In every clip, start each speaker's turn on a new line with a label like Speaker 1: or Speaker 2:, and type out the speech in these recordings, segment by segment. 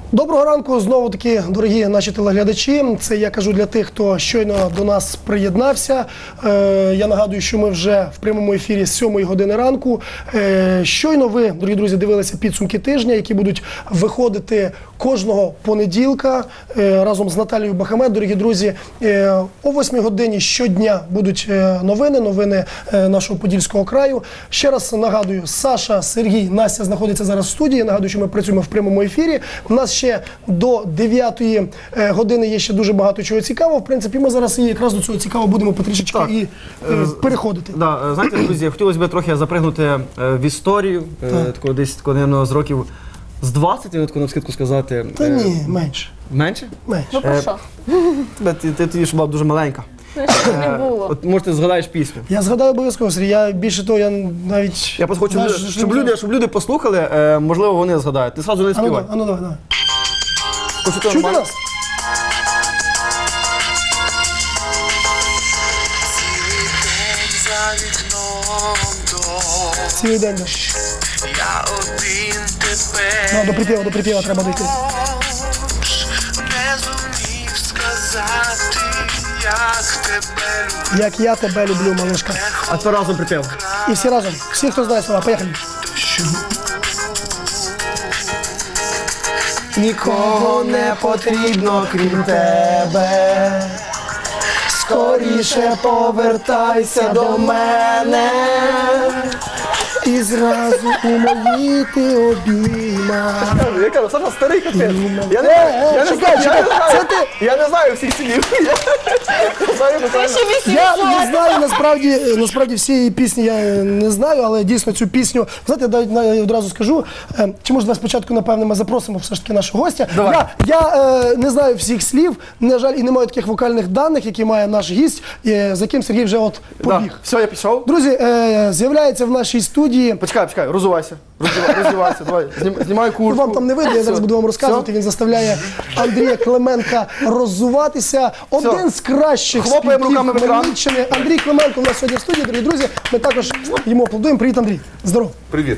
Speaker 1: Доброго ранку, знову таки, дорогі наші телеглядачі. Це я кажу для тих, хто щойно до нас приєднався. Я нагадую, що ми вже в прямому ефірі з 7 години ранку. Щойно ви, дорогі друзі, дивилися підсумки тижня, які будуть виходити кожного понеділка разом з Наталією Бахамет. Дорогі друзі, о 8 годині щодня будуть новини нашого Подільського краю. Ще раз нагадую, Саша, Сергій, Настя знаходяться зараз в студії. Нагадую, що ми працюємо в прямому ефірі. У нас ще до 9 години є ще дуже багато чого цікавого. В принципі, ми зараз і якраз до цього цікаво будемо потрішечки і переходити.
Speaker 2: Да, знаєте, друзі, хотілося б трохи запригнути в історію, такого десь, наверное, з років з 20, я таку навскидку сказати.
Speaker 1: Та ні, менше.
Speaker 2: Менше?
Speaker 1: Менше.
Speaker 3: Ну про що?
Speaker 2: Ти тоді ж була дуже маленька.
Speaker 3: Не було.
Speaker 2: От, може, ти згадаєш пісню.
Speaker 1: Я згадаю обов'язково, Сергій. Я більше того, я навіть...
Speaker 2: Я просто хочу, щоб люди послухали, можливо, вони згадають. Ти зразу не співай.
Speaker 1: А ну давай.
Speaker 2: Почути
Speaker 1: Чути
Speaker 2: нормально?
Speaker 1: нас? Цілий день, да.
Speaker 4: Я один тебе
Speaker 1: До припєва треба дійти.
Speaker 4: не зумів сказати, як тебе люблю.
Speaker 1: Як я тебе люблю, малишка.
Speaker 2: А то разом припів.
Speaker 1: І всі разом. Всі, хто знає слова. Поїхали.
Speaker 2: Нікого не потрібно, крім тебе.
Speaker 1: Скоріше повертайся до мене. І зразу у мої ти обійма.
Speaker 2: Я кажу, Саша, старий капець.
Speaker 1: Чекай, це ти?
Speaker 2: Я не знаю всіх слів.
Speaker 1: Я не знаю, насправді всієї пісні я не знаю, але дійсно цю пісню, знаєте, я одразу скажу, чи може спочатку, напевно, ми запросимо все ж таки нашого гостя. Я не знаю всіх слів, на жаль, і не маю таких вокальних даних, які має наш гість, за яким Сергій вже от побіг.
Speaker 2: Все, я пішов.
Speaker 1: Друзі, з'являється в нашій студії.
Speaker 2: Почекай, розувайся. Роздівайся, давай, знімай куртку.
Speaker 1: Вам там не видно, я зараз буду вам розказувати. Він заставляє Андрія Клименка роззуватися. Один з кращих
Speaker 2: Хлопаємо руками в екран.
Speaker 1: Хмельниччини. Андрій Клименко у нас сьогодні в студії, дорогі друзі. Ми також йому аплодуємо. Привіт, Андрій. Здоров.
Speaker 5: Привіт.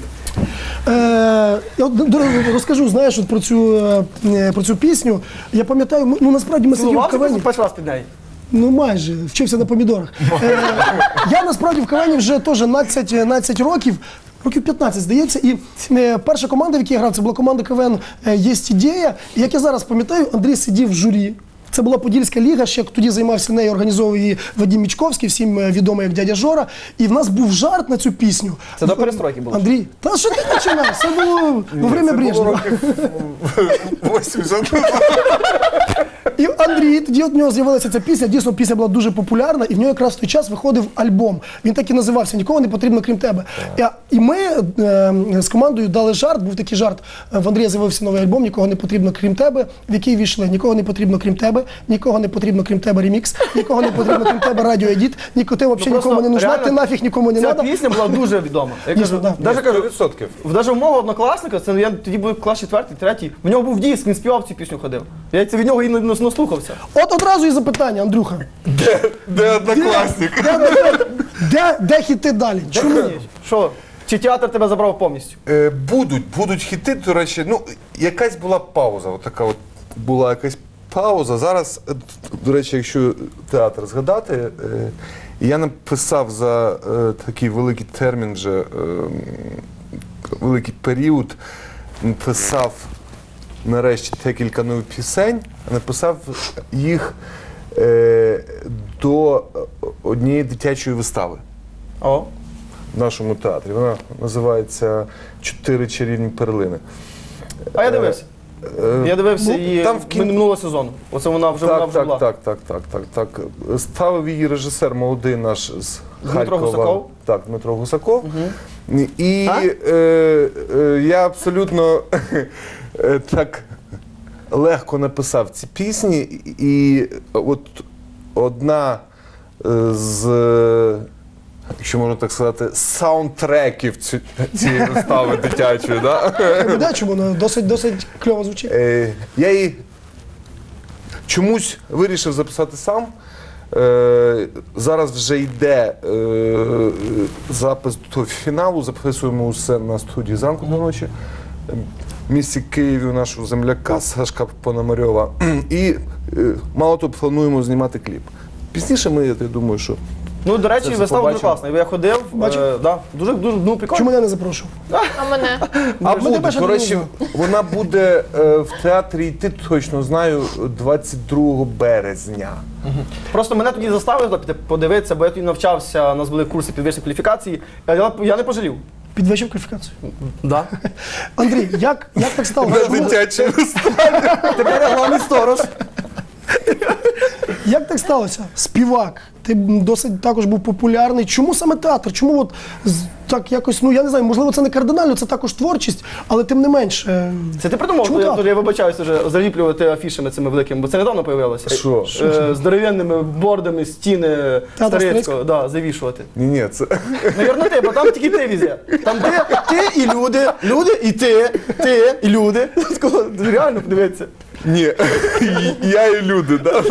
Speaker 1: Я розкажу, знаєш, от про цю пісню. Я пам'ятаю, насправді ми сиділи в кавені.
Speaker 2: Перший раз під неї.
Speaker 1: Ну майже, вчився на помідорах. Я насправді в кавені вже теж 12 років. Років 15, здається, і перша команда, в якій я грав, це була команда КВН «Єсть ідея». І як я зараз пам'ятаю, Андрій сидів в журі. Це була Подільська ліга, ще тоді займався нею, організовував її Вадим Мічковський, всім відомий як дядя Жора. І в нас був жарт на цю пісню.
Speaker 2: Це до перестройки було?
Speaker 1: Андрій, та що ти починаєш? Це було во время Брежнева.
Speaker 5: 80.
Speaker 1: І Андрій, тоді от в нього з'явилася ця пісня, дійсно пісня була дуже популярна, і в нього якраз в той час виходив альбом. Він так і називався «Нікого не потрібно, крім тебе». І ми з командою дали жарт, був такий жарт, в Андрія з'явився новий альбом «Нікого не потрібно, крім тебе», в який війшли «Нікого не потрібно, крім тебе», «Нікого не потрібно, крім тебе» ремікс, «Нікого не потрібно, крім тебе» радіоедіт, ти взагалі нікому не нужна, ти нафіг нікому не
Speaker 2: Ця
Speaker 1: треба.
Speaker 2: пісня була дуже відома. Я кажу, навіть кажу,
Speaker 5: 100%.
Speaker 2: навіть у мого однокласника, це я тоді був клас 4-й, 3-й, в нього був диск, він співав цю пісню, ходив. Я від нього і наслухався.
Speaker 1: От одразу і запитання, Андрюха.
Speaker 5: Де однокласник?
Speaker 1: Де хіти далі? Чому?
Speaker 2: Що? Чи театр тебе забрав повністю?
Speaker 5: Будуть хіти, до речі, якась була пауза, така от була якась пауза. Зараз, до речі, якщо театр згадати, я написав за такий великий термін вже, великий період, написав нарешті декілька нових пісень, написав їх до однієї дитячої вистави
Speaker 2: О.
Speaker 5: в нашому театрі. Вона називається «Чотири чарівні перлини».
Speaker 2: А я дивився. Я дивився її
Speaker 5: там
Speaker 2: минулого сезону. Оце вона вже була.
Speaker 5: Так. Ставив її режисер молодий наш з Харкова.
Speaker 2: Гусаков?
Speaker 5: Так, Дмитро Гусаков. І я абсолютно так легко написав ці пісні. І от одна з, якщо можна так сказати, саундтреків цієї вистави дитячої.
Speaker 1: Чому? Досить кльово звучить.
Speaker 5: Я її чомусь вирішив записати сам. Зараз вже йде запис до фіналу, записуємо усе на студії «Зранку до ночі». місті Києві у нашого земляка Сашка Пономарьова. І мало того, плануємо знімати кліп. Пізніше ми, я думаю, що
Speaker 2: Ну, до речі,
Speaker 5: Це
Speaker 2: вистава дуже
Speaker 5: побачимо.
Speaker 2: класна. Я ходив, да, дуже, ну, прикольно.
Speaker 1: Чому мене не запрошував?
Speaker 3: А мене?
Speaker 1: А мене
Speaker 5: буде,
Speaker 1: більше
Speaker 5: до
Speaker 1: не
Speaker 5: речі,
Speaker 1: було.
Speaker 5: вона буде в театрі йти, точно знаю, 22 березня.
Speaker 2: Просто мене тоді заставили піти подивитися, бо я тоді навчався, у нас були курси підвищення кваліфікації, а я не пожалів.
Speaker 1: Підвищив кваліфікацію.
Speaker 2: Да.
Speaker 1: Андрій, як так сталося?
Speaker 5: Дитячий
Speaker 2: Тепер я головний сторож.
Speaker 1: Як так сталося? Співак, ти досить також був популярний. Чому саме театр? Чому от так якось, ну я не знаю, можливо, це не кардинально, це також творчість, але тим не менш.
Speaker 2: Це ти придумав,
Speaker 1: Чому
Speaker 2: я,
Speaker 1: так?
Speaker 2: я вибачаюся вже, заліплювати афішами цими великими, бо це недавно появилося.
Speaker 5: Що?
Speaker 2: Здоровенними бордами стіни
Speaker 1: Театр
Speaker 2: Старицького, да, завішувати.
Speaker 5: Ні, це...
Speaker 2: Навірно, ти, бо там тільки ти візє. Там ти і люди і ти і люди. Такого, реально подивитися.
Speaker 5: Ні, я і люди, да?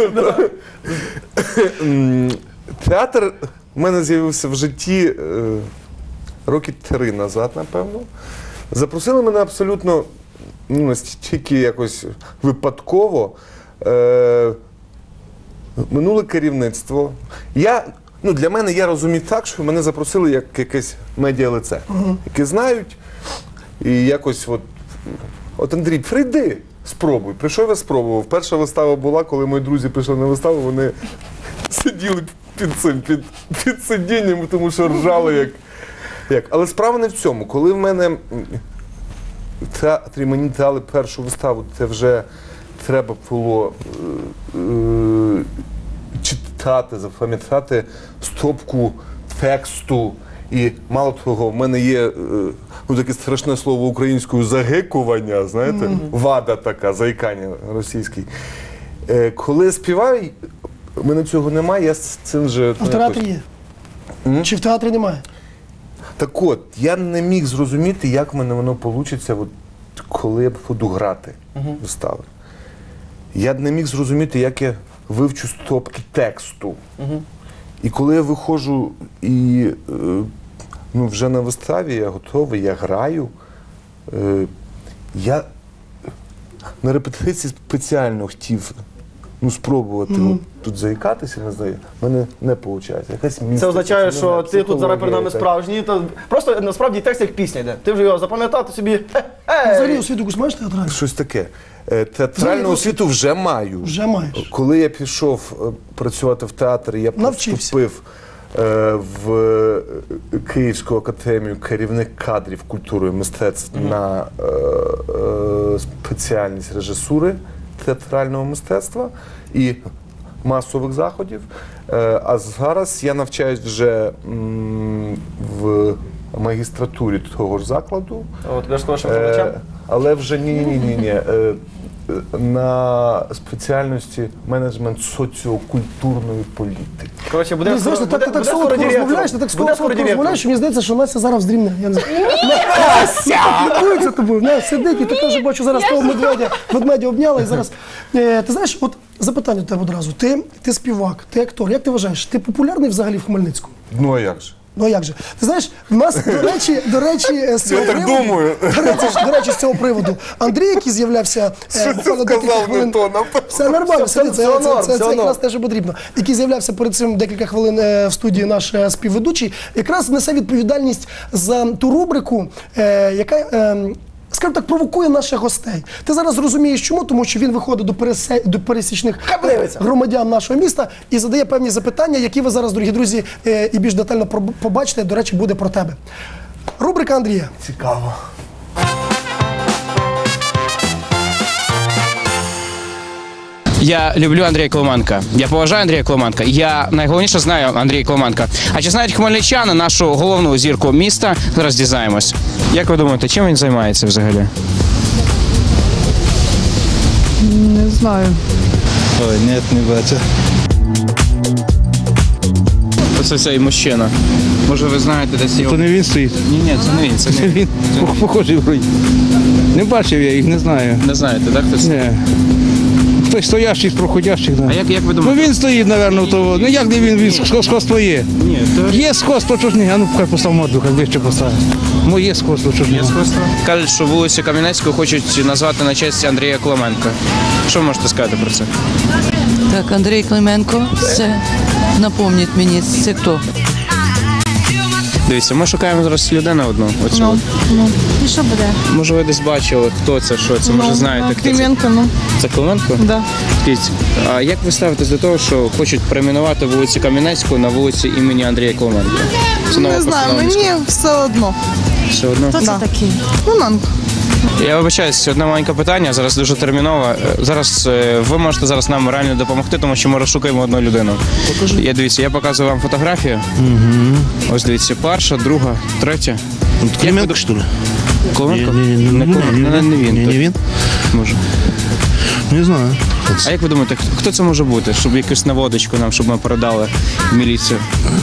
Speaker 5: Театр в мене з'явився в житті роки 3 назад, напевно. Запросили мене абсолютно, ну, настільки якось випадково. Минуле керівництво. Для мене, я розумію так, що мене запросили як якесь медіалице, яке знають, і якось от Андрій, прийди, спробуй. Прийшов, я спробував. Перша вистава була, коли мої друзі прийшли на виставу, вони сиділи під сидінням, тому що ржали як. Але справа не в цьому. Коли в мене в театрі мені дали першу виставу, це вже треба було читати, запам'ятати стопку тексту. І мало того, в мене є таке страшне слово українською загикування, знаєте, вада така, заїкання російський. Коли я співаю, в мене цього немає, я з цим вже...
Speaker 1: А в театрі є? Чи в театрі немає?
Speaker 5: Так от, я не міг зрозуміти, як в мене воно вийде, коли я буду грати вистави. Я не міг зрозуміти, як я вивчу стопки тексту. І коли я виходжу і вже на виставі, я готовий, я граю, я на репетиції спеціально хотів спробувати тут заїкатися, не знаю, в мене не виходить.
Speaker 2: Це означає, що ти тут зараз перед нами справжній. Просто насправді текст як пісня йде. Ти вже його запам'ятав, ти собі.
Speaker 1: Взагалі освіту якусь маєш театральну?
Speaker 5: Щось таке. Театральну освіту вже маю.
Speaker 1: Вже маєш.
Speaker 5: Коли я пішов працювати в театрі, я поступив в Київську академію керівник кадрів культури і мистецтв на спеціальність режисури театрального мистецтва і масових заходів. А зараз я навчаюсь вже в магістратурі того ж закладу.
Speaker 2: От, я ж сказав, що викладачем.
Speaker 5: Але вже ні. На спеціальності менеджмент соціокультурної політики.
Speaker 2: Коротше, буде
Speaker 1: Знаєш, ти так солодко розмовляєш, розмовляєш, що мені здається, що Настя зараз здрімне. Я не знаю. Настя! Піклується тобою. Настя сидить, і ти теж бачу зараз того ведмедя обняла. І зараз, ти знаєш, от запитання до тебе одразу. Ти співак, ти актор. Як ти вважаєш, ти популярний взагалі в Хмельницькому?
Speaker 5: Ну а як же?
Speaker 1: Ну а як же? Ти знаєш, в нас, до речі, з цього
Speaker 5: Я так
Speaker 1: приводу,
Speaker 5: думаю.
Speaker 1: до речі, з цього приводу, Андрій, який з'являвся буквально декілька
Speaker 5: Сказав
Speaker 1: хвилин.
Speaker 5: не то,
Speaker 1: Все нормально, це
Speaker 2: все
Speaker 1: якраз
Speaker 2: норм.
Speaker 1: те, що потрібно. Який з'являвся перед цим декілька хвилин в студії наш співведучий, якраз несе відповідальність за ту рубрику, яка, скажімо так, провокує наших гостей. Ти зараз розумієш чому? Тому що він виходить до пересічних громадян нашого міста і задає певні запитання, які ви зараз, дорогі друзі, і більш детально побачите. До речі, буде про тебе. Рубрика Андрія.
Speaker 5: Цікаво.
Speaker 6: Я люблю Андрія Клименка. Я поважаю Андрія Клименка. Я найголовніше знаю Андрія Клименка. А чи знають хмельничани нашу головну зірку міста? Зараз дізнаємось. Як ви думаєте, чим він займається взагалі?
Speaker 7: Не знаю.
Speaker 8: Ой, ні, не бачу.
Speaker 6: Це цей мужчина. Може ви знаєте десь його?
Speaker 8: То не він стоїть.
Speaker 6: Ні, це не він. Це
Speaker 8: Це він. Похожий вроді. Не бачив я їх, не знаю.
Speaker 6: Не знаєте, так? Хтось?
Speaker 8: Ні. Хтось стоящих, проходящих. Да.
Speaker 6: А як ви
Speaker 8: Ну
Speaker 6: думаєте?
Speaker 8: він стоїть, напевно, то. Ну як не він сходство є?
Speaker 6: Ні, то
Speaker 8: Є сходство, чого ж ні? А ну хай постав морду, хай ближче поставив. Моє сходство, чого ж ні?
Speaker 6: кажуть, що вулицю Кам'янецьку хочуть назвати на честь Андрія Клименка. Що ви можете сказати про це?
Speaker 3: Так, Андрій Клименко, це напомніть мені, це хто?
Speaker 6: Дивіться, ми шукаємо зараз людину одну. Оцю.
Speaker 7: І що буде?
Speaker 6: Може ви десь бачили, хто це, що це, може знаєте, хто це?
Speaker 7: Клименко, ну.
Speaker 6: Це Клименко?
Speaker 7: Да.
Speaker 6: Скажіть, а як ви ставитесь до того, що хочуть перейменувати вулицю Кам'янецьку на вулицю імені Андрія Клименка? Це нова
Speaker 7: Не знаю,
Speaker 6: постанова міської.
Speaker 7: мені все одно.
Speaker 6: Все одно?
Speaker 7: Хто це такий? Клименко.
Speaker 6: Я вибачаюсь, одне маленьке питання, зараз дуже термінове. Зараз ви можете зараз нам реально допомогти, тому що ми розшукуємо одну людину. Я дивіться, я показую вам фотографію. Ось дивіться, перша, друга, третя.
Speaker 8: Клименко, що ли?
Speaker 6: Клименко?
Speaker 8: Не
Speaker 6: Не він.
Speaker 8: Не він?
Speaker 6: Може.
Speaker 8: Не знаю.
Speaker 6: А як ви думаєте, хто це може бути? Щоб якусь наводочку нам, щоб ми передали в міліцію?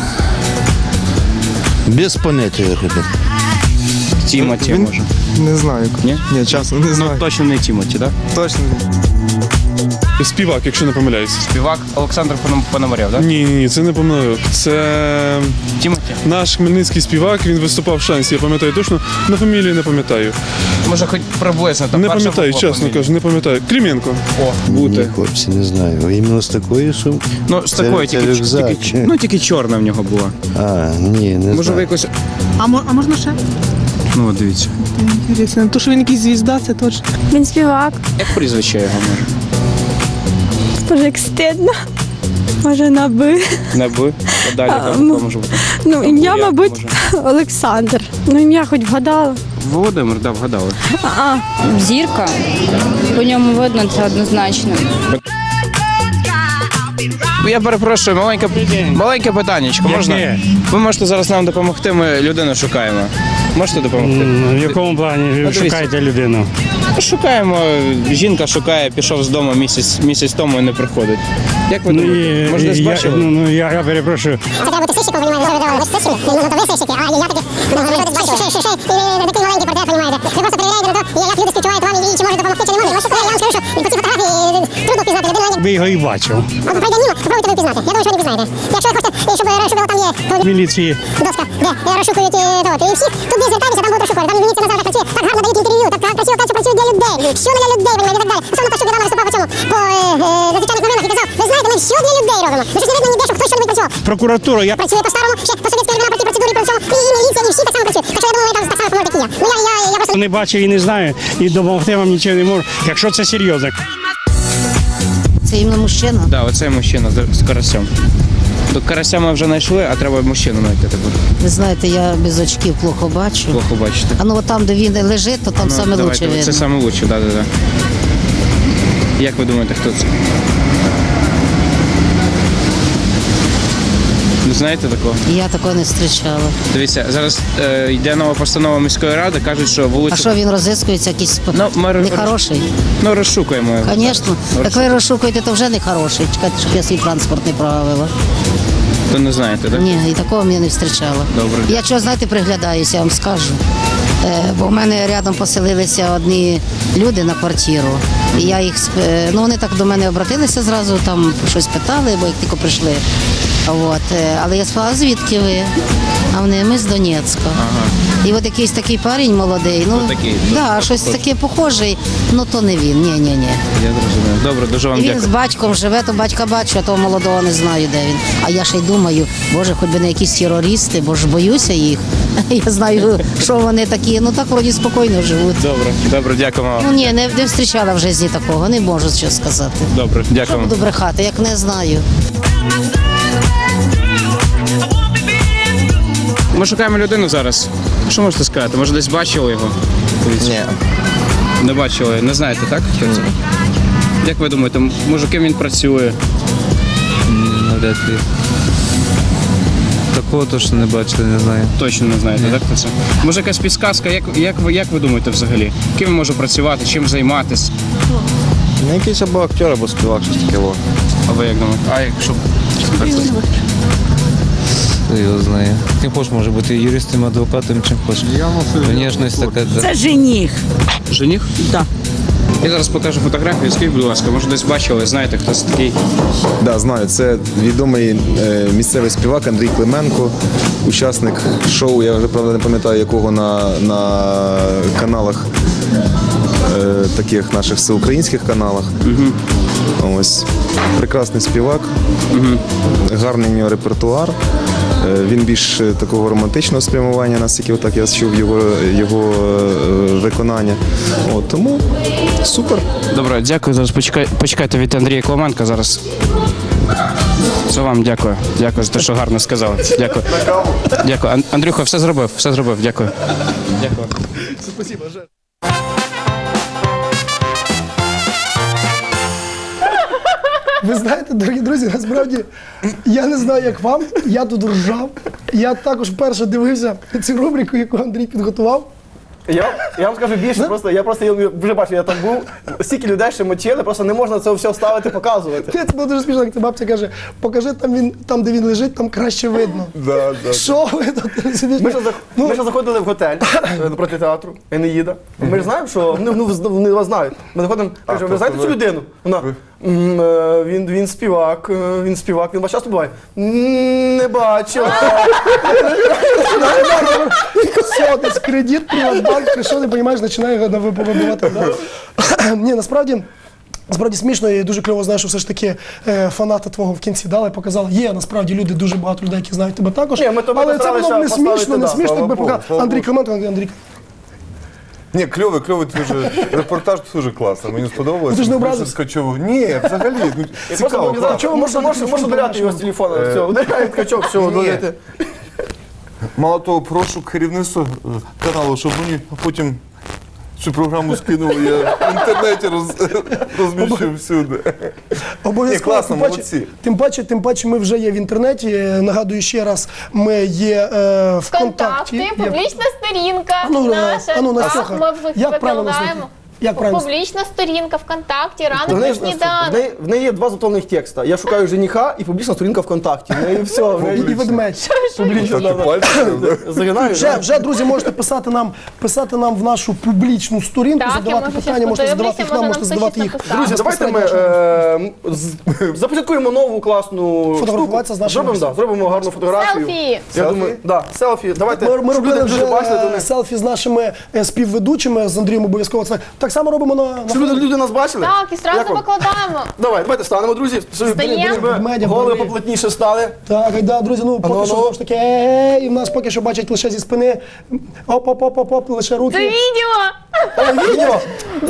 Speaker 8: Без поняття, ребят.
Speaker 6: Тімоті, може.
Speaker 9: Не знаю.
Speaker 6: Ні?
Speaker 9: Ні, чесно, не знаю.
Speaker 6: Точно не Тімоті, так?
Speaker 9: Точно.
Speaker 10: Співак, якщо не помиляюсь.
Speaker 6: Співак Олександр Пономарєв, так?
Speaker 10: Ні, це не помиляю. Це
Speaker 6: Тімоті.
Speaker 10: наш хмельницький співак, він виступав в Шансі, я пам'ятаю точно, на фамілії не пам'ятаю.
Speaker 6: Може, хоч приблизно там
Speaker 10: Не
Speaker 6: перша
Speaker 10: пам'ятаю,
Speaker 6: буква
Speaker 10: чесно
Speaker 6: фамілії.
Speaker 10: кажу, не пам'ятаю. Клименко.
Speaker 6: О, бути.
Speaker 11: Ні, хлопці, не знаю. Іменно з такої сумки?
Speaker 6: Ну, з такої
Speaker 11: це
Speaker 6: тільки,
Speaker 11: рюкзак.
Speaker 6: тільки чорна в нього була.
Speaker 11: А, ні, не
Speaker 6: Може, ви
Speaker 11: знаю.
Speaker 6: якось.
Speaker 7: А можна ще?
Speaker 6: Ну, от дивіться.
Speaker 7: Інтересно. То, що він якийсь звізда, це точно.
Speaker 12: Він співак.
Speaker 6: Як прізвище його може?
Speaker 12: Боже, як стидно. Може, на «би».
Speaker 6: Не би. А далі там може бути.
Speaker 12: Ну, ім'я,
Speaker 6: як
Speaker 12: мабуть,
Speaker 6: може?
Speaker 12: Олександр. Ну, ім'я хоч вгадала.
Speaker 6: Володимир, да, вгадали.
Speaker 12: Зірка. По ньому видно, це однозначно.
Speaker 6: Я перепрошую, маленьке питаннячко. Можна? Ви можете зараз нам допомогти, ми людину шукаємо. Можете допомогти?
Speaker 8: В якому плані
Speaker 6: дивіться.
Speaker 8: шукаєте людину?
Speaker 6: Шукаємо, жінка шукає, пішов з дому місяць тому і не приходить. Як ви думаєте? Може, десь бачили?
Speaker 8: Я перепрошую.
Speaker 13: Це треба бути сищиком, понімаєте, ви давали сищики, ну то ви сищики, а я таки, ще такий маленький портрет, понімаєте. Ви просто перевіряєте на то, як люди співчувають вам і чи можуть допомогти, чи не можуть. Я вам скажу, що по цій фотографії трудно впізнати людину.
Speaker 8: Ви його і бачив.
Speaker 13: От пройде мимо, попробуйте ви впізнати. Я думаю, що ви не впізнаєте. Якщо ви хочете, щоб розшукали, там є то
Speaker 8: Міліції.
Speaker 13: доска, де розшукують і всіх, туди звертайтеся, там будуть розшукувати. Там міліція назавжди працює, так гарно дають інтерв'ю, так красиво кажуть, що працюють для людей. Що не для людей, понімаєте, і так далі. Особливо те, що недавно виступав по цьому, по зазвичайних новинах і казав, ви знаєте, ми все для людей робимо. Ви ж не видно ніде, що хтось що-небудь працював.
Speaker 8: Прокуратура, я
Speaker 13: Працює по-старому, ще по совєтській времена, по тій процедурі, по всьому, і міліція, і всі так само працюють. Так що я думаю, ви там так само поможете, як і я. Ну я просто...
Speaker 8: не бачив і не знаю, і допомогти вам нічого не можу, якщо це серйозно.
Speaker 3: Це іменно мужчина?
Speaker 6: Так, оцей мужчина з карасем. До карася ми вже знайшли, а треба мужчину знайти тепер.
Speaker 3: Ви знаєте, я без очків плохо бачу.
Speaker 6: Плохо бачите.
Speaker 3: А ну от там, де він лежить, то там саме
Speaker 6: давайте,
Speaker 3: лучше видно.
Speaker 6: Це саме лучше, так. Як ви думаєте, хто це? Не знаєте такого?
Speaker 3: Я такого не зустрічала.
Speaker 6: Дивіться, зараз йде нова постанова міської ради, кажуть, що вулицю...
Speaker 3: А що він розіскується, якийсь нехороший?
Speaker 6: Ну, розшукуємо його.
Speaker 3: Звісно. Як ви розшукуєте, то вже нехороший. Чекайте, щоб я свій транспорт не прогавила.
Speaker 6: То не знаєте, так?
Speaker 3: Ні, і такого я не зустрічала.
Speaker 6: Добре.
Speaker 3: Я чого, знаєте, приглядаюся, я вам скажу. Бо в мене рядом поселилися одні люди на квартиру. І я їх ну вони так до мене обратилися зразу, там щось питали, бо як тільки прийшли. От. Але я спала, звідки ви? А вони, ми з Донецька. І от якийсь такий парень молодий, ну
Speaker 6: такий,
Speaker 3: да, щось таке похожий, ну то не він, ні.
Speaker 6: Я зрозумів. Добре, дуже вам
Speaker 3: І він
Speaker 6: дякую.
Speaker 3: з батьком живе, то батька бачу, а того молодого не знаю, де він. А я ще й думаю, боже, хоч би не якісь терористи, бо ж боюся їх. Я знаю, що вони такі, ну так вроді спокійно живуть.
Speaker 6: Добре, дякуємо вам.
Speaker 3: Ну ні, не зустрічала в житті такого, не можу що сказати.
Speaker 6: Добре,
Speaker 3: Що
Speaker 6: дякуємо.
Speaker 3: буду брехати, як не знаю.
Speaker 6: Ми шукаємо людину зараз. Що можете сказати? Може, десь бачили його? Ні. Не бачили, не знаєте, так? Хто це? Як ви думаєте, може ким він працює?
Speaker 9: Навряд ли. Такого точно не бачили, не знаю.
Speaker 6: Точно не знаєте, так? Хто це? Може якась підказка, як ви думаєте взагалі? Ким він може працювати, чим займатися?
Speaker 11: Ну, якийсь або актер, або співак, щось таке.
Speaker 6: А ви як думаєте? А якщо...
Speaker 9: Хто його знає. Ким хочеш, може бути юристом, адвокатом, чим хочеш. Внешність така.
Speaker 3: Це жених.
Speaker 6: Жених?
Speaker 3: Так.
Speaker 6: Я зараз покажу фотографію. Скажіть, будь ласка, може десь бачили, знаєте, хто це такий?
Speaker 14: Да, знаю. Це відомий місцевий співак Андрій Клименко, учасник шоу, я вже правда не пам'ятаю якого на каналах, таких наших всеукраїнських каналах. Ось. Прекрасний співак, гарний у нього репертуар. Він більш такого романтичного спрямування, наскільки отак я чув його виконання. От, тому супер.
Speaker 6: Добре, дякую. Зараз почекайте від Андрія Клименка зараз. Це вам дякую. Дякую за те, що гарно сказали. Дякую. Дякую. Андрюха, все зробив. Дякую. Дякую.
Speaker 1: Спасибо, Жень. Ви знаєте, дорогі друзі, насправді, я не знаю, як вам, я тут ржав. Я також вперше дивився цю рубрику, яку Андрій підготував.
Speaker 2: Я вам скажу більше, я вже бачив, я там був, стільки людей ще мочили, просто не можна це все вставити, показувати.
Speaker 1: Це було дуже смішно, як ця бабця каже, покажи там, де він лежить, там краще видно. Що ви тут сидите?
Speaker 2: Ми ще заходили в готель напроти театру Енеїда. Ми ж знаємо, що вони вас знають. Ми заходимо, кажемо, ви знаєте цю людину? Вона, він співак, він вас часто буває? Не бачив.
Speaker 1: Все, десь кредит, Приватбанк, прийшов, не розумієш, починає вибивати. Ні, насправді смішно і дуже кльово знаю, що все ж таки фанати твого в кінці дали, показали. Є насправді люди, дуже багато людей, які знають тебе також. Але це було не смішно, якби показав. Андрій Клименко, Андрій.
Speaker 5: Ні, кльовий дуже, репортаж дуже класний, мені сподобалося.
Speaker 1: Ти ж не образився?
Speaker 5: Ні, взагалі, цікаво.
Speaker 2: Можна удаляти його з телефону, все, удаляє Ткачов, все, удаляйте.
Speaker 5: Мало того, прошу керівництво каналу, щоб мені потім цю програму скинули, я в інтернеті розміщу всюди.
Speaker 1: Обов'язково.
Speaker 5: Класно, молодці.
Speaker 1: Тим паче ми вже є в інтернеті. Нагадую ще раз, ми є в контакті.
Speaker 15: Публічна сторінка наша. Ми викладаємо. Публічна сторінка ВКонтакті, ранок на сніданок.
Speaker 2: В неї є два заповнених текста. Я шукаю жениха і публічна сторінка ВКонтакті. І все.
Speaker 1: І ведмедь. Вже, друзі, можете писати нам в нашу публічну сторінку, задавати питання, можете задавати їх нам, можете задавати їх.
Speaker 2: Друзі, давайте ми започаткуємо нову класну штуку. Зробимо гарну фотографію.
Speaker 15: Селфі.
Speaker 2: Я думаю, селфі. Давайте,
Speaker 1: ми робили вже селфі з нашими співведучими, з Андрієм обов'язково. Так само робимо на...
Speaker 2: Щоб люди нас бачили?
Speaker 15: Так, і одразу викладаємо.
Speaker 2: Давайте станемо, друзі. Голови поплотніше стали.
Speaker 1: Так, друзі, поки що ж таки, і в нас поки що бачать лише зі спини. Оп, лише руки.
Speaker 15: Це відео!
Speaker 2: Відео!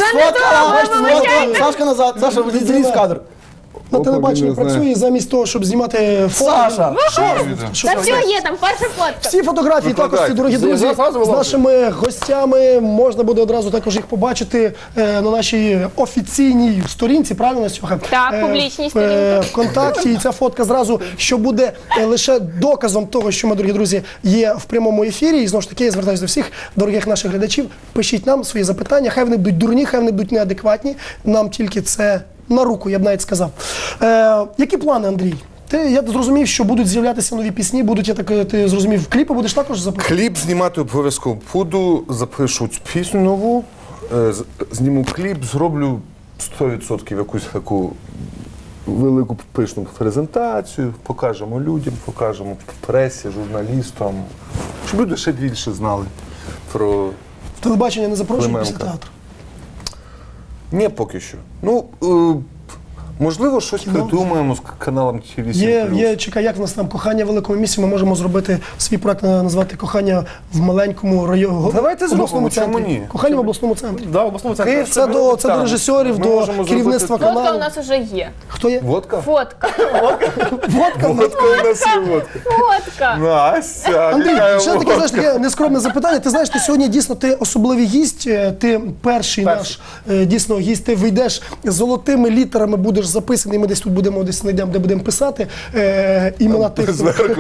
Speaker 2: Сфоткала! Сашка назад, Саша, злізь в кадр.
Speaker 1: На телебаченні працює, і замість того, щоб знімати фото.
Speaker 2: Саша!
Speaker 15: Та все є, там перша фотка.
Speaker 1: Всі фотографії також, дорогі друзі, з нашими гостями. Можна буде одразу також їх побачити на нашій офіційній сторінці, правильно, Сьоха?
Speaker 15: Так, публічній сторінці.
Speaker 1: ВКонтакті. І ця фотка зразу, що буде лише доказом того, що ми, дорогі друзі, є в прямому ефірі. І знову ж таки, я звертаюся до всіх дорогих наших глядачів. Пишіть нам свої запитання, хай вони будуть дурні, хай вони будуть неадекватні. Нам тільки це на руку, я б навіть сказав. Які плани, Андрій? Я зрозумів, що будуть з'являтися нові пісні, ти зрозумів, кліпи будеш також записувати?
Speaker 5: Кліп знімати обов'язково буду, запишу пісню нову, зніму кліп, зроблю 100% якусь таку велику пишну презентацію, покажемо людям, покажемо пресі, журналістам, щоб люди ще більше знали про
Speaker 1: Телебачення не запрошує після театру?
Speaker 5: Ні, поки що. Можливо, щось придумаємо з каналом
Speaker 1: Є, чекай, як в нас там «Кохання в великому місті», ми можемо зробити свій проект, назвати «Кохання в маленькому районі».
Speaker 5: Давайте зробимо, чому ні?
Speaker 1: «Кохання в обласному центрі».
Speaker 2: Да, в обласному центрі.
Speaker 1: Це до режисерів, до керівництва каналу.
Speaker 15: Фотка у нас вже є.
Speaker 1: Хто є?
Speaker 5: Водка?
Speaker 15: Фотка.
Speaker 5: Водка у нас є.
Speaker 15: Фотка.
Speaker 5: Настя,
Speaker 1: Андрій, ще таке, знаєш, таке нескромне запитання. Ти знаєш, ти сьогодні дійсно особливий гість, ти перший наш дійсно гість, ти вийдеш золотими літерами, будеш записаний, ми десь тут будемо, знайдемо, де будемо писати імена тих.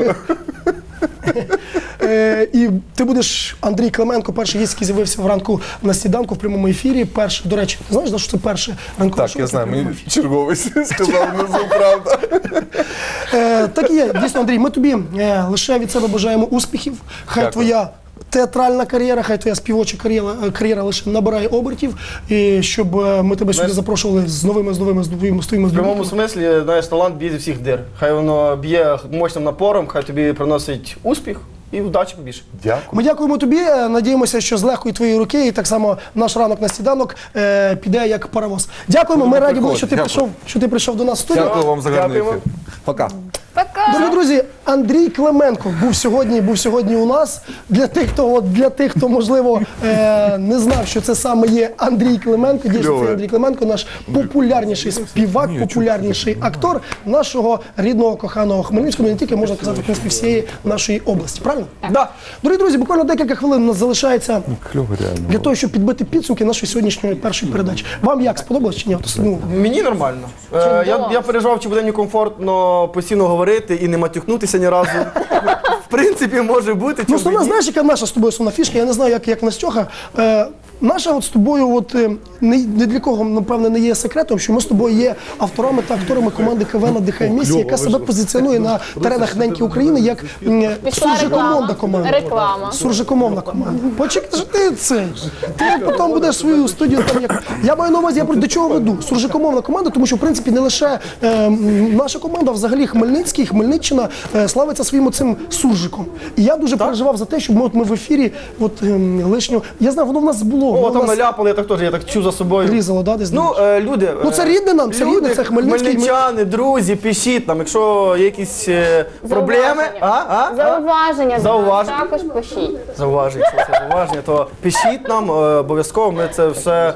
Speaker 1: І ти будеш Андрій Клименко, перший гість, який з'явився вранку на сніданку в прямому ефірі. Перший, до речі, ти знаєш, що це перше ранкове шоу?
Speaker 5: Так, я знаю, мені черговий сказав внизу, правда.
Speaker 1: Так і є, дійсно, Андрій, ми тобі лише від себе бажаємо успіхів. Хай твоя театральна кар'єра, хай твоя співоча кар'єра лише набирає обертів, і щоб ми тебе сюди запрошували з новими
Speaker 2: В прямому смислі, знаєш, талант б'є зі всіх дир. Хай воно б'є мощним напором, хай тобі приносить успіх і удачі побільше.
Speaker 5: Дякую.
Speaker 1: Ми дякуємо тобі, надіємося, що з легкої твоєї руки, і так само наш ранок на сніданок піде як паровоз. Дякуємо, ми раді були, що ти прийшов до нас в студію.
Speaker 5: Дякую вам за гарний ефір. Пока.
Speaker 1: Дорогі друзі, Андрій Клименко був сьогодні у нас. Для тих, хто можливо не знав, що це саме є Андрій Клименко. Дійсно, це Андрій Клименко, наш популярніший співак, популярніший актор нашого рідного, коханого Хмельницького, не тільки, можна казати, в принципі, всієї нашої області. Правильно?
Speaker 2: Да.
Speaker 1: Дорогі друзі, буквально декілька хвилин у нас залишається для того, щоб підбити підсумки нашої сьогоднішньої першої передачі. Вам як, сподобалось чи ні?
Speaker 2: Мені нормально. Я переживав, чи буде мені комфортно постійно говорити і не матюкнутися ні разу. В принципі, може бути.
Speaker 1: Ну, основна, знаєш, яка наша з тобою основна фішка? Я не знаю, як Настюха. Наша от з тобою, ні для кого, напевне, не є секретом, що ми з тобою є авторами та акторами команди КВН «Дихай місія», яка себе позиціонує на теренах неньки України як суржикомовна команда.
Speaker 15: Реклама.
Speaker 1: Суржикомовна команда. Почекай, що ти цей. Ти потім будеш свою студію там як. Я маю на увазі, я до чого веду. Суржикомовна команда, тому що, в принципі, не лише наша команда, а взагалі Хмельницький, Хмельниччина славиться своїм оцим суржиком. І я дуже переживав за те, щоб ми в ефірі лишнього. Я знаю, воно в нас було.
Speaker 2: О, там наляпали, я так чув за собою.
Speaker 1: Різало, да, десь?
Speaker 2: Люди.
Speaker 1: Ну, це рідне нам, це рідне, це Хмельницький.
Speaker 2: Хмельничани, друзі, пишіть нам, якщо є якісь проблеми.
Speaker 15: Зауваження. Також пишіть.
Speaker 2: Зауваження, якщо це зауваження, то пишіть нам, обов'язково, ми це все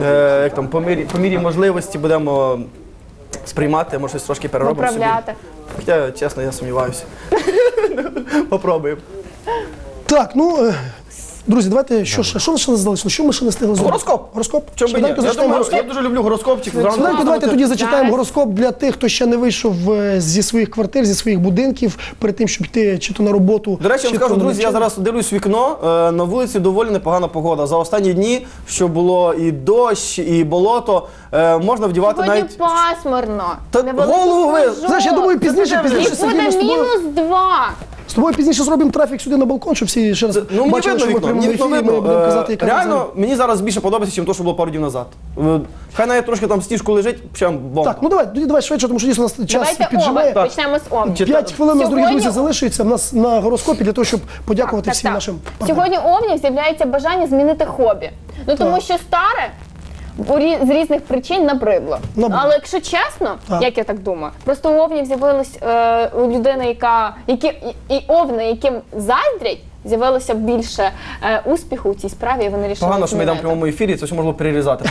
Speaker 2: по мірі можливості будемо сприймати, може щось трошки переробимо собі.
Speaker 15: Виправляти.
Speaker 2: Хоча, чесно, я сумніваюся. Попробуємо.
Speaker 1: Так, друзі, давайте, що ще не залишилося? Що ми ще не встигли зробити?
Speaker 2: Гороскоп. Я дуже люблю гороскопчик.
Speaker 1: Швиденько давайте тоді зачитаємо гороскоп для тих, хто ще не вийшов зі своїх квартир, зі своїх будинків, перед тим, щоб йти чи то на роботу.
Speaker 2: До речі, я вам скажу, друзі, я зараз дивлюсь в вікно, на вулиці доволі непогана погода. За останні дні, що було і дощ, і болото, можна вдівати навіть...
Speaker 15: Сьогодні пасмурно.
Speaker 2: Голову ви...
Speaker 1: Знаєш, я думаю, пізніше
Speaker 15: І буде -2.
Speaker 1: З тобою пізніше зробимо трафік сюди на балкон, щоб всі ще раз бачили, що ми в прямому ефірі, ми будемо казати, яка
Speaker 2: реально, мені зараз більше подобається, ніж те, що було пару днів назад. Хай навіть трошки там сніжку лежить, прям бомба.
Speaker 1: Так, давай швидше, тому що дійсно нас час піджимає.
Speaker 15: Давайте почнемо з Овнів.
Speaker 1: 5 хвилин, дорогі друзі, залишиться в нас на гороскопі для того, щоб подякувати всім нашим партнерам.
Speaker 15: Сьогодні у Овнів з'являється бажання змінити хобі. Тому що старе з різних причин набридло. Але якщо чесно, як я так думаю, просто у Овнів з'явилась людина, і овни, яким заздрять, з'явилося більше успіху у цій справі, і вони вирішили
Speaker 2: Погано, що ми йдемо в прямому ефірі, це все можна перерізати.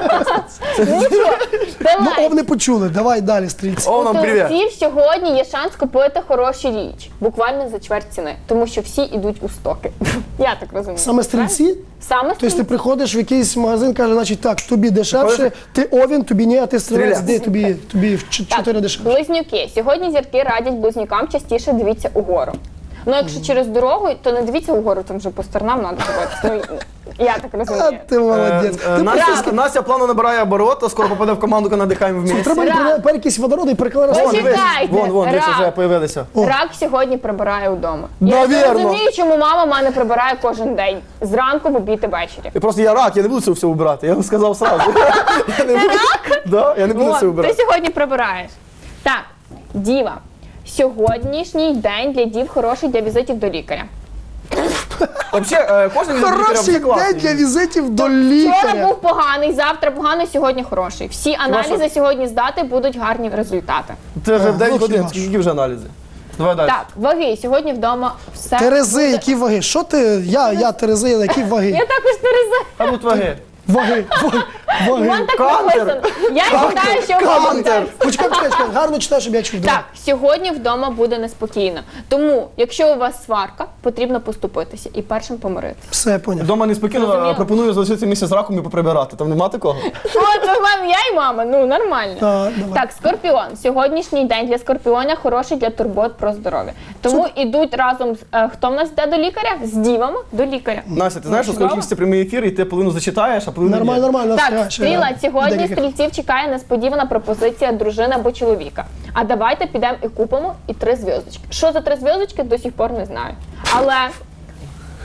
Speaker 1: Овни почули, давай далі, стрільці.
Speaker 15: У творців сьогодні є шанс купити хороші річ, буквально за чверть ціни, тому що всі йдуть у стоки. Я так розумію.
Speaker 1: Саме стрільці?
Speaker 15: Саме стрільці.
Speaker 1: Тобто ти приходиш в якийсь магазин, каже, значить так, тобі дешевше, ти овін, тобі ні, а ти стрілець, де тобі в 4 дешевше.
Speaker 15: Близнюки. Сьогодні зірки радять близнюкам частіше дивіться угору. Ну, якщо через дорогу, то не дивіться угору, там вже по сторонам треба дивитися. Я так розумію.
Speaker 1: Ти молодець.
Speaker 2: Настя плавно набирає обороти, скоро попаде в команду, яка надихаємо вместе.
Speaker 1: Треба перекись водороду і перекладати.
Speaker 2: Вон, дивіться, вже появилися.
Speaker 15: Рак сьогодні прибирає вдома. Я не розумію, чому мама мене прибирає кожен день. Зранку, в обід і ввечері.
Speaker 2: Просто я рак, я не буду це все убирати, я вам сказав сразу.
Speaker 15: Ти рак?
Speaker 2: Так, я не буду це убирати.
Speaker 15: Ти сьогодні прибираєш. Так, Діва. Сьогоднішній день для дів хороший для візитів до лікаря.
Speaker 2: Взагалі, кожен візит до лікаря
Speaker 1: Хороший день для візитів до лікаря.
Speaker 15: Вчора був поганий, завтра поганий, сьогодні хороший. Всі аналізи сьогодні здати, будуть гарні результати.
Speaker 2: Це вже в 9 годин, скільки вже аналізи? Давай далі.
Speaker 15: Так, ваги. Сьогодні вдома все.
Speaker 1: Терези, які ваги? Що ти? Я Терези, які ваги?
Speaker 15: Я також Терези.
Speaker 2: А тут ваги.
Speaker 1: Ваги.
Speaker 15: Вон так написано. Я читаю, що
Speaker 1: Кантер. Почекай, гарно читай, щоб я чув.
Speaker 15: Так, сьогодні вдома буде неспокійно. Тому, якщо у вас сварка, потрібно поступитися і першим помирити.
Speaker 1: Все, я поняв.
Speaker 2: Вдома неспокійно, пропоную залишитися місце з раком і поприбирати. Там нема такого?
Speaker 15: От, я і мама, ну нормально. Так, Скорпіон. Сьогоднішній день для Скорпіона хороший для турбот про здоров'я. Тому ідуть разом, хто в нас йде до лікаря? З дівами до лікаря.
Speaker 2: Настя, ти знаєш, що скоро кінчиться прямий ефір, і ти половину зачитаєш, а половину ні.
Speaker 1: Нормально.
Speaker 15: Так, Стріла, сьогодні стрільців чекає несподівана пропозиція дружини або чоловіка. А давайте підемо і купимо і 3 зв'язочки. Що за 3 зв'язочки, до сих пор не знаю. Але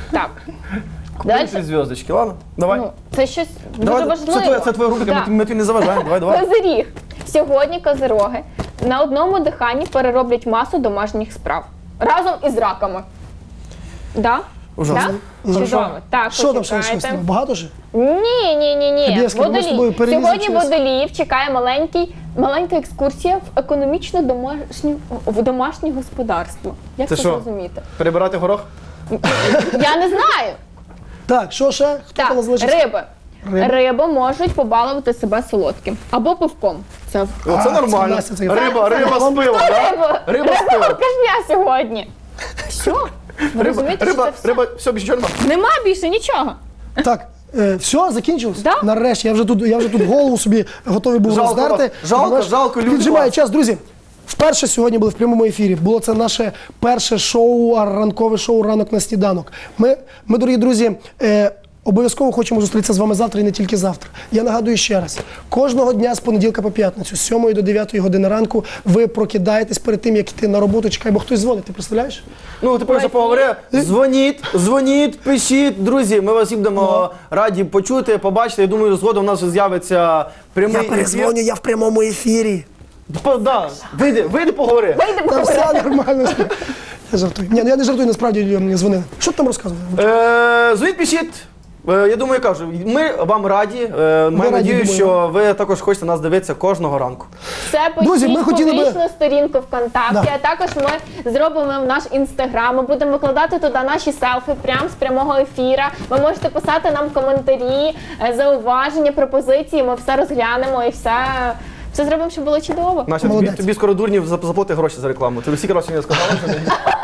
Speaker 15: Так.
Speaker 2: Купили 3 зв'язочки, ладно? Давай.
Speaker 15: Ну, це щось дуже
Speaker 2: Давай,
Speaker 15: важливо.
Speaker 2: це твоя рубрика,
Speaker 15: Да.
Speaker 2: ми тобі не заважаємо. Давай.
Speaker 15: Козиріг. Сьогодні козироги на одному диханні перероблять масу домашніх справ. Разом із раками. Да?
Speaker 2: Ужасно.
Speaker 15: Да? Чудово. Так,
Speaker 1: Що там ще
Speaker 15: почекайте.
Speaker 1: лишилось? Багато ж?
Speaker 15: Ні.
Speaker 1: Хабєвський, ми з тобою
Speaker 15: Водолій.
Speaker 1: перелізли
Speaker 15: Сьогодні
Speaker 1: через-
Speaker 15: водоліїв чекає маленька екскурсія в економічно домашнє господарство. Як
Speaker 2: Це
Speaker 15: це
Speaker 2: що?
Speaker 15: зрозуміти?
Speaker 2: Перебирати горох?
Speaker 15: Я не знаю.
Speaker 1: Так, що ще? Хто там
Speaker 15: Так,
Speaker 1: залишився?
Speaker 15: риби. Риби можуть побалувати себе солодким або пивком. Це
Speaker 2: Оце нормально.
Speaker 1: Настя, це-
Speaker 2: Риба з пивом, так? Риба з пивом.
Speaker 15: Алкашня сьогодні. Що? Ви розумієте, що це все?
Speaker 2: Риба, все, більше нічого нема.
Speaker 15: Нема більше нічого.
Speaker 1: Так, все, закінчилось?
Speaker 15: Да.
Speaker 1: Нарешті, я вже тут голову собі готовий був
Speaker 2: Жалко
Speaker 1: роздерти.
Speaker 2: вас. Жалко, жалко, люди
Speaker 1: Піджимає
Speaker 2: вас.
Speaker 1: час, друзі. Вперше сьогодні були в прямому ефірі. Було це наше перше шоу, ранкове шоу «Ранок на сніданок». Ми, дорогі друзі, обов'язково хочемо зустрітися з вами завтра і не тільки завтра. Я нагадую ще раз, кожного дня з понеділка по п'ятницю, з 7 до 9 години ранку, ви прокидаєтесь перед тим, як йти на роботу, чекай, бо хтось дзвонить, ти представляєш?
Speaker 2: Ну, ти просто поговори. Дзвоніть, пишіть. Друзі, ми вас всім будемо раді почути, побачити. Я думаю, згодом у нас вже з'явиться прямий ефір.
Speaker 1: я в прямому ефірі.
Speaker 2: Да, вийди поговори.
Speaker 1: Та все нормально. Я жартую. Ні, ну я не жартую, насправді мені дзвонили. Що ти там розказував?
Speaker 2: Дзвоніть, пишіть. Я думаю, я кажу, ми вам раді. Маю надію,
Speaker 1: думаю.
Speaker 2: що ви також хочете нас дивитися кожного ранку.
Speaker 15: Це
Speaker 1: Друзі, ми
Speaker 15: пишіть
Speaker 1: хотіли би-
Speaker 15: публічну сторінку ВКонтакті,
Speaker 1: Да.
Speaker 15: а також ми зробимо наш інстаграм. Ми будемо викладати туди наші селфі прямо з прямого ефіра. Ви можете писати нам коментарі, зауваження, пропозиції. Ми все розглянемо і все зробимо, щоб було чудово.
Speaker 2: Настя, тобі скоро дурнів заплати гроші за рекламу. Ти всі гроші мені сказала, що не.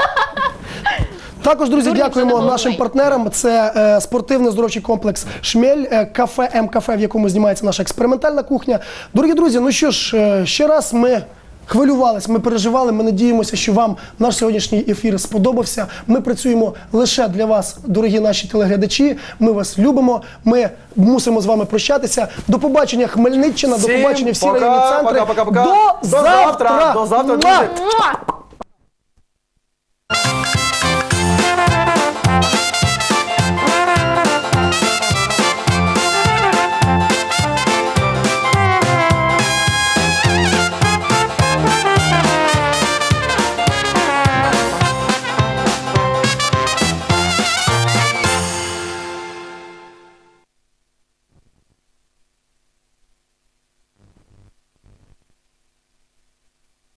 Speaker 1: Також, друзі,
Speaker 15: Дуже
Speaker 1: дякуємо
Speaker 15: задоволений.
Speaker 1: нашим партнерам. Це спортивно-здоровчий комплекс «Шмель», кафе М-кафе, в якому знімається наша експериментальна кухня. Дорогі друзі, ну що ж, ще раз ми хвилювались, ми переживали, ми надіємося, що вам наш сьогоднішній ефір сподобався. Ми працюємо лише для вас, дорогі наші телеглядачі. Ми вас любимо, ми мусимо з вами прощатися. До побачення, Хмельниччина, до
Speaker 2: Всім
Speaker 1: побачення всі
Speaker 2: пока,
Speaker 1: районні центри.
Speaker 2: пока-пока-пока.
Speaker 1: До завтра!
Speaker 2: До завтра,
Speaker 1: Муа!
Speaker 2: друзі.
Speaker 15: Муа!